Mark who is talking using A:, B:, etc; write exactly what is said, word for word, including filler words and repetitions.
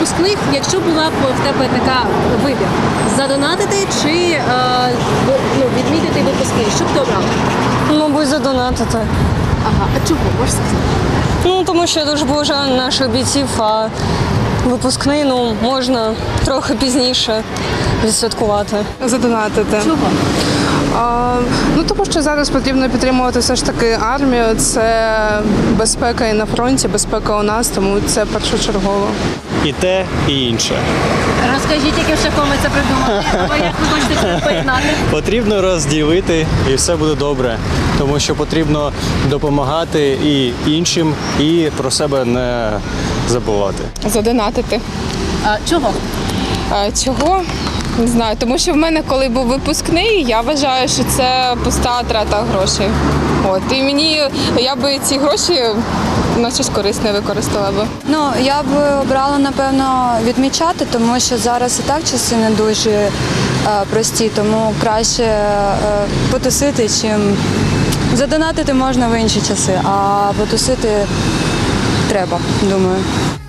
A: випускних, якщо була б в тебе така вибір, задонатити чи е, ну, відмітити випускний, що б ти обрала?
B: Мабуть, задонатити.
A: Ага, а чого, можеш сказати?
B: Ну, тому що я дуже поважаю наших бійців, а випускний, ну, можна трохи пізніше відсвяткувати.
C: Задонатити.
A: Чого?
C: А, ну тому що зараз потрібно підтримувати все ж таки армію. Це безпека і на фронті, безпека у нас, тому це першочергово.
D: І те, і інше.
A: Розкажіть, яким шляхом ви це придумали, або як ви хочете це поєднати?
D: Потрібно розділити, і все буде добре. Тому що потрібно допомагати і іншим, і про себе не забувати.
E: Задонатити.
A: А, чого?
E: А, чого? Не знаю, тому що в мене, коли був випускний, я вважаю, що це пуста трата грошей. От. І мені, я би ці гроші на щось корисне використала би.
F: Ну, я б обрала, напевно, відмічати, тому що зараз і так часи не дуже е, прості, тому краще е, потусити, чим задонатити можна в інші часи, а потусити треба, думаю.